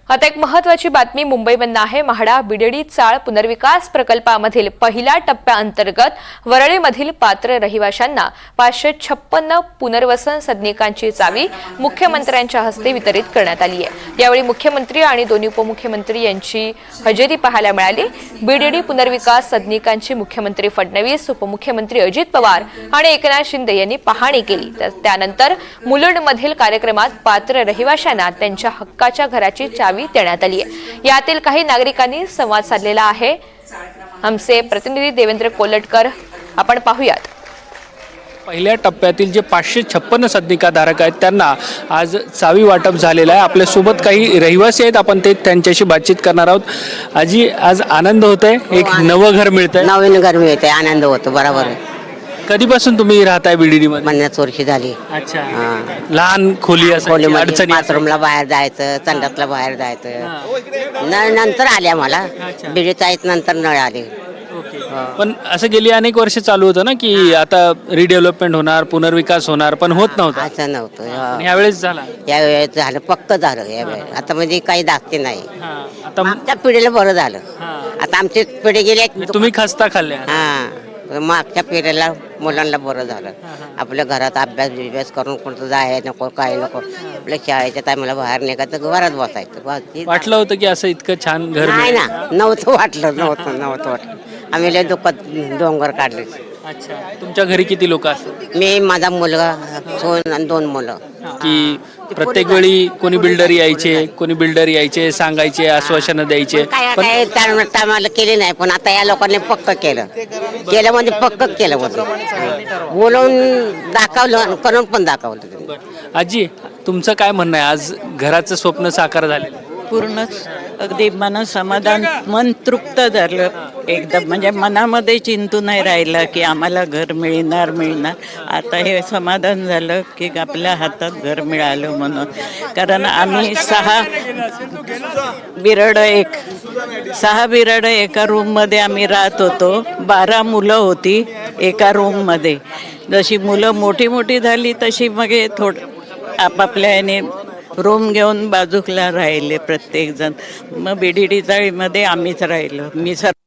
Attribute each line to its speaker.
Speaker 1: आता एक महत्त्वाची बातमी मुंबईमधून आहे। म्हाडा बीडीडी चाळ पुनर्विकास प्रकल्पामधील पहिल्या टप्प्याअंतर्गत वरळीमधील पात्र रहिवाशांना 556 पुनर्वसन सदनिकांची चावी मुख्यमंत्र्यांच्या हस्ते वितरित करण्यात आली आहे। यावेळी मुख्यमंत्री आणि दोन्ही उपमुख्यमंत्री यांची हजेरी पाहायला मिळाली। बीडीडी पुनर्विकास सदनिकांची मुख्यमंत्री फडणवीस, उपमुख्यमंत्री अजित पवार आणि एकनाथ शिंदे यांनी पाहणी केली। त्यानंतर मुलुंडमधील कार्यक्रमात पात्र रहिवाशांना त्यांच्या हक्काच्या घराची चावी देण्यात आली आहे। यातील काही नागरिकांनी संवाद साधलेला आहे। आमचे प्रतिनिधी देवेंद्र कोलटकर, आपण पाहूयात।
Speaker 2: पहिल्या टप्प्यातील जे 556 सदनिकाधारक आहेत त्यांना आज चावी वाटप झालेला आहे। आपल्या सोबत काही रहिवासी आहेत, आपण ते त्यांच्याशी बातचीत करणार आहोत। आजी, आज आनंद होतोय, एक नवं घर मिळतंय,
Speaker 3: नवीन घर मिळतंय, आनंद होतो। बरोबर आहे।
Speaker 2: कधीपासून तुम्ही राहताय बीडीडी मध्ये?
Speaker 3: 50 वर्ष झाली।
Speaker 2: अच्छा, लहान खोली असायची, अडचणी
Speaker 3: बाथरूमला बाहेर जायचं, संडासला बाहेर जायचं। नळ नंतर आले आम्हाला, बीडीचा आहेत नंतर नळ आले।
Speaker 2: पण असं गेली अनेक वर्ष चालू होतं ना की आता रिडेव्हलपमेंट होणार, पुनर्विकास होणार, पण होत नव्हतं।
Speaker 3: असं नव्हतं।
Speaker 2: यावेळेस झाला,
Speaker 3: यावेळेस झालं, पक्क झालं यावेळेस। आता म्हणजे काही दाखते नाही।
Speaker 2: आता
Speaker 3: आमच्या पिढीला बरं झालं। आता आमची पिढी गेली,
Speaker 2: तुम्ही खस्ता खाल्ल्या।
Speaker 3: मागच्या पिढीला मुलांना बरं झालं। आपल्या घरात अभ्यास करून कुठं जाय नको, काय नको, आपल्या शाळेच्या टायमाला बाहेर निघायचं, घरात बसायचं।
Speaker 2: वाटलं होतं की असं इतकं छान घर
Speaker 3: नाही
Speaker 2: मिळेल?
Speaker 3: ना, नव्हतं वाटलं। आम्ही लय दुःखात डोंगर काढले।
Speaker 2: अच्छा, तुमच्या घरी किती लोक असतात?
Speaker 3: मी, माझा मुलगा, सोन आणि 2 मुलं।
Speaker 2: की प्रत्येक वेळी कोणी बिल्डर यायचे, सांगायचे, आश्वासनं द्यायचे,
Speaker 3: काय टायमाला केले नाही, पण आता या लोकांनी पक्क केलं म्हणजे पक्क केलं म्हणजे बोलवून दाखवलं, करून पण दाखवलं।
Speaker 2: आजी, तुमचं काय म्हणणं आहे? आज घराचं स्वप्न साकार झाले,
Speaker 4: पूर्णच अगदी मन समाधान, मन तृप्त झालं एकदम। म्हणजे मनामध्ये चिंतू नाही राहिलं की आम्हाला घर मिळणार। आता हे समाधान झालं की आपल्या हातात घर मिळालं म्हणून। कारण आम्ही 6 बिराड एका रूममध्ये आम्ही राहत होतो। 12 मुलं होती एका रूममध्ये। जशी मुलं मोठी झाली तशी मग थोडं आपापल्या याने रूम घेऊन बाजूला राहिले प्रत्येक जण। मग बीडीडी चाळीमध्ये आम्हीच राहिलो। मी